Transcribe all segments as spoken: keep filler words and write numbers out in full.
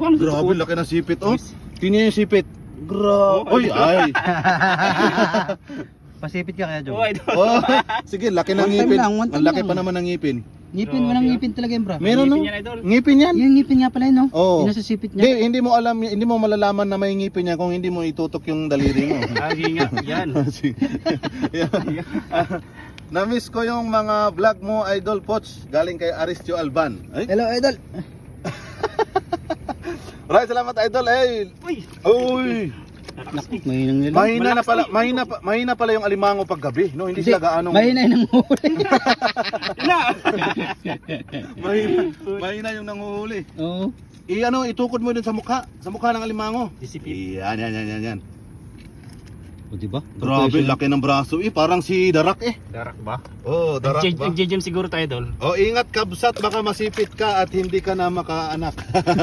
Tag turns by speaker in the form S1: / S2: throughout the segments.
S1: paano
S2: Grabe, laki ng sipit, oh. Tingnan yung sipit. Grabe. Uy, ay.
S3: Pasipit ka kaya, Jong?
S1: Oh, idol.
S2: Oh, sige, laki ng
S3: One time
S2: ngipin.
S3: lang, one time
S2: Ang laki
S3: lang.
S2: pa naman ng ngipin.
S3: Ngipin, walang ngipin talaga yun, bro.
S2: Meron, no?
S1: Ngipin yan, idol.
S2: Ngipin yan.
S3: Yung ngipin nga pala yun, no?
S2: Oo.
S3: Yung nasa sipit
S2: Hindi,
S3: niya.
S2: hindi mo alam, hindi mo malalaman na may ngipin niya kung hindi mo itutok yung daliri mo.
S1: Ah, hinga. Yan.
S2: Sige. Yan. Ah, Na-miss ko yung mga vlog mo, Idol Poch, galing kay Aristio Alban. Ay?
S3: Hello, idol.
S2: Right, salamat Idol. Ay.
S1: Uy.
S2: Uy.
S3: Naku, mahinang nila.
S2: Mahina na pala, mahina pa, mahina pala yung alimango pag gabi, no? Hindi sila gaano.
S3: Mahina yung nanguhuli.
S1: Na.
S2: mahina, mahina yung nanguhuli.
S3: Oo.
S2: I ano, itukod mo dun sa mukha, sa mukha ng alimango.
S1: Disipin.
S2: Yan, yan, yan, yan, yan.
S3: O, diba?
S2: Grabe, laki ng braso. Eh, parang si Darak eh.
S1: Darak ba?
S2: Oh, Darak ba?
S1: Nag-gym siguro tayo, idol.
S2: Oh, ingat kabsat, baka masipit ka at hindi ka na makaanak.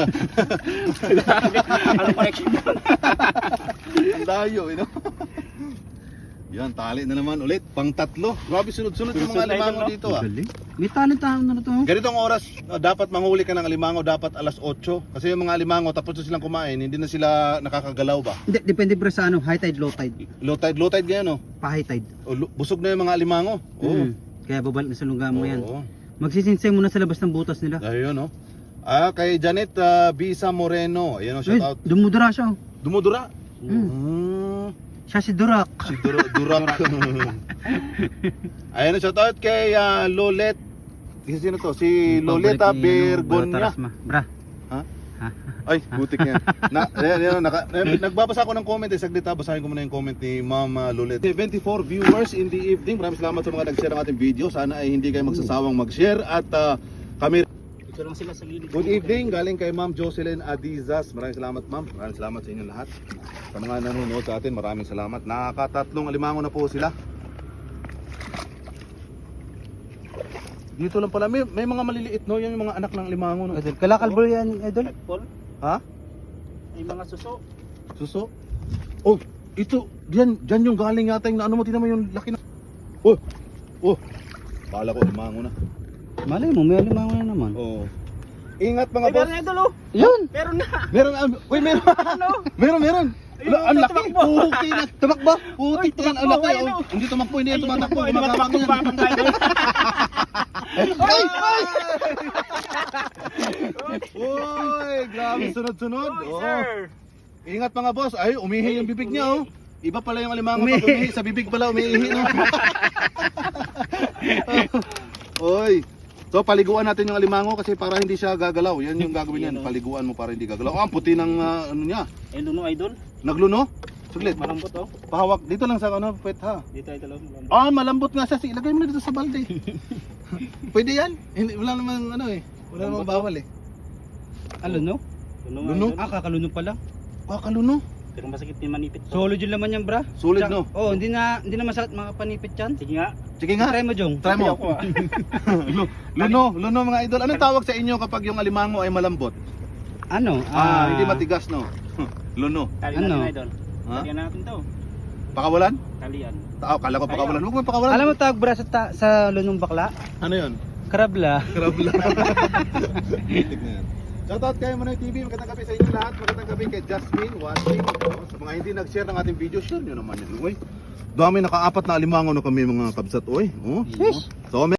S1: Ano connection doon?
S2: Ang dayo, you know? Yan, tali na naman ulit. Pang tatlo. Grabe, sunod-sunod yung mga
S1: Sunod na
S2: alimango
S1: ito, no?
S2: dito ah.
S3: Galing. May talent tayo na to.
S2: Ganitong oras, uh, dapat manghuli ka ng alimango, dapat alas otso. Kasi yung mga alimango, tapos na silang kumain, hindi na sila nakakagalaw ba?
S3: Hindi, depende bro sa ano, high tide, low tide.
S2: Low tide, low tide ganyan, no?
S3: Pa high tide.
S2: O, lu- busog na yung mga alimango. Oo.
S3: Mm. Kaya babalik na sa lungga mo yan.
S2: Oo.
S3: Magsisinsay muna sa labas ng butas nila.
S2: Ayun, no? Ah, kay Janet uh, Bisa Moreno. Ayan, oh, shout
S3: Uy,
S2: out.
S3: dumudura siya. oh.
S2: Dumudura.
S3: Mm.
S2: Mm.
S3: Siya si Durak.
S2: Si Dur- Durak. Ayan, shout out kay uh, Lolet. Kasi sino to? Si Loleta Bergonya.
S3: Bra.
S2: Ha?
S3: Ha?
S2: Ay, butik yan. Na, ayan, ayan, naka, ayan, nagbabasa ako ng comment eh. Saglit ha, basahin ko muna yung comment ni Mama Lolet. seventy-four viewers in the evening. Maraming salamat sa mga nag-share ng ating video. Sana ay hindi kayo magsasawang mag-share. At uh, kami...
S1: Ito lang sila sa gilid.
S2: Good evening, galing kay Ma'am Jocelyn Adizas. Maraming salamat ma'am. Maraming salamat sa inyo lahat. Sa mga nanonood sa atin, maraming salamat. Nakakatatlong alimango na po sila. Dito lang pala, may, may mga maliliit no, yan yung mga anak ng alimango no.
S3: Idol, kalakalbol yan, idol.
S1: Paul,
S2: Ha?
S1: ay mga suso.
S2: Suso? Oh, ito, diyan, diyan yung galing yata yung ano mo, tinan mo yung laki na. Oh, oh, kala ko alimango na.
S3: Malay mo, may alimango na naman.
S2: Oh. Ingat mga
S1: Ay,
S2: boss.
S1: meron na, idol, oh.
S3: Yun!
S1: Meron na.
S2: Meron, ah, uy, meron.
S1: Ano?
S2: Meron, meron.
S1: Ayun,
S2: La, ang laki.
S1: tumakbo.
S2: Puti na. Tumakbo. Puti
S1: Uy,
S2: to ang
S1: tumakbo,
S2: laki.
S1: ayun,
S2: Oh.
S1: oh.
S2: Hindi tumakbo, hindi yan
S1: Ay,
S2: tumatakbo.
S1: tumakbo,
S2: Gumagapang
S1: tumakbo,
S2: yan.
S1: babang tayo.
S2: Ay! Ay! Uy, grabe sunod-sunod.
S1: Uy,
S2: Oh.
S1: sir.
S2: Ingat mga boss. Ay, umihi yung bibig niya oh. Iba pala yung alimango
S3: Umihi.
S2: pag umihi. Sa bibig pala umihi no. Oy. So paliguan natin yung alimango kasi para hindi siya gagalaw. Yan yung gagawin niyan. Paliguan mo para hindi gagalaw. Oh, ang puti ng ah, ano niya.
S1: Ay, luno, idol.
S2: Nagluno? Saglit.
S1: Malambot, oh.
S2: Pahawak dito lang sa ano, pet ha.
S1: Dito, idol, oh, malambot.
S2: Ah, malambot nga siya. Sige, ilagay mo na dito sa balde. Pwede yan? Hindi, wala namang ano eh. Wala namang bawal eh.
S3: Ano, no?
S1: Luno,
S2: Luno?
S1: idol.
S3: Ah, kakalunod pala.
S2: Ah, kaluno.
S1: Pero masakit din manipit to.
S3: Solid yung laman yan, bra.
S2: Sulit
S3: Tsaka-
S2: no?
S3: Oo, oh, hindi na hindi na masakit mga panipit yan.
S1: Sige nga.
S2: Sige nga.
S3: Try mo, Jong.
S2: Try mo.
S1: Ako, ah.
S2: Lu- luno, luno mga idol. Anong tawag sa inyo kapag yung alimango ay malambot?
S3: Ano?
S2: Ah, hindi matigas no. Luno.
S1: Tali
S3: Ano?
S1: natin, idol.
S2: Ha?
S1: Talian natin to.
S2: Pakawalan?
S1: Talian.
S2: Tao, kala ko pakawalan. Huwag mo pakawalan.
S3: Alam mo tawag bra sa, ta- sa lunong bakla?
S2: Ano 'yon?
S3: Karabla.
S2: Krabla. Tignan. Shoutout kay Manoy T V, magandang gabi sa inyo lahat. Magandang gabi kay Jasmine watching. Sa mga hindi nag-share ng ating video, share nyo naman yun. Uy, dami, naka-apat na alimango na kami mga kabsat. Uy, oh. So,